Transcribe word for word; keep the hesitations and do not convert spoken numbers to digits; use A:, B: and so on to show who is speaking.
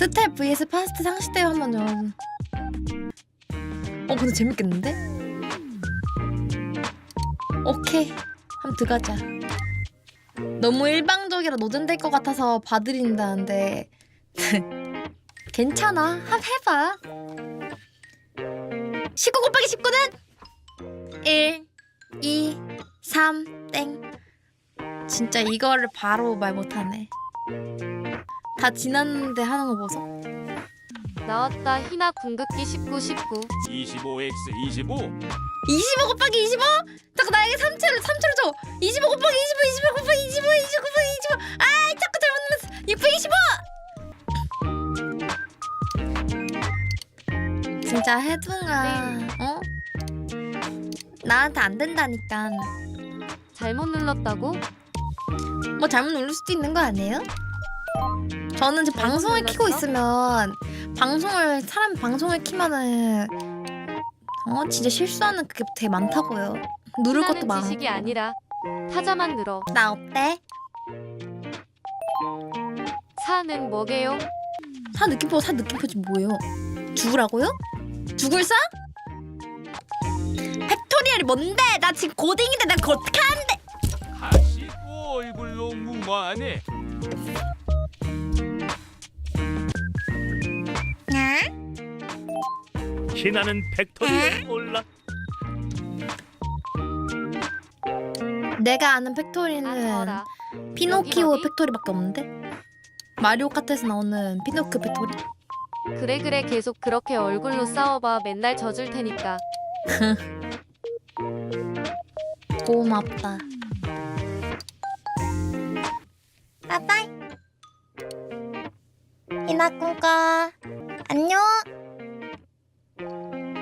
A: 스텝 vs 파스트 상시대회 한번 좀. 어 근데 재밌겠는데? 오케이 한번 들어가자. 너무 일방적이라 노잼될 것 같아서 봐드린다는데 괜찮아 한번 해봐. 십구 곱하기 십구는 일, 이, 삼, 땡. 진짜 이거를 바로 말 못하네. 다 지났는데 하는 거 보소.
B: 나왔다. 희나 궁극기 십구 십구.
C: 이십오 엑스 이십오.
A: 이십오 곱하기 이십오? 자꾸 나에게 삼초를 삼초를 줘. 이십오 곱하기 이십오, 이십오 곱하기 이십오, 이십오 곱하기 이십오. 아, 자꾸 잘못 눌렀어. 육백이십오. 진짜 해둥아, 어? 나한테 안 된다니까.
B: 잘못 눌렀다고?
A: 뭐 잘못 누를 수도 있는 거 아니에요? 저는 이제
B: 잘못
A: 방송을
B: 눌렀어?
A: 키고 있으면 방송을 사람이 방송을 키면은 어 진짜 실수하는 그게 되게 많다고요. 누를 것도
B: 희나는
A: 많아.
B: 지식이 아니라 타자만 늘어.
A: 나 어때?
B: 사는 뭐게요?
A: 사 느낌표 사 느낌표지 뭐예요? 죽으라고요? 죽을 사? 팩토리얼이 뭔데? 나 지금 고딩인데 나 그거 어떻게 하는데?
C: 다시 또 얼굴로 무마하네.
D: 희나는 팩토리를 몰라.
A: 내가 아는
B: 아
A: 팩토리는
B: 더라.
A: 피노키오
B: 여기 어디?
A: 팩토리밖에 없는데? 마리오 카트에서 나오는 피노키오 팩토리?
B: 그래 그래 계속 그렇게 얼굴로 싸워봐. 맨날 져줄 테니까.
A: 고맙다. 빠빠이. 이나 꿈꿔. 안녕.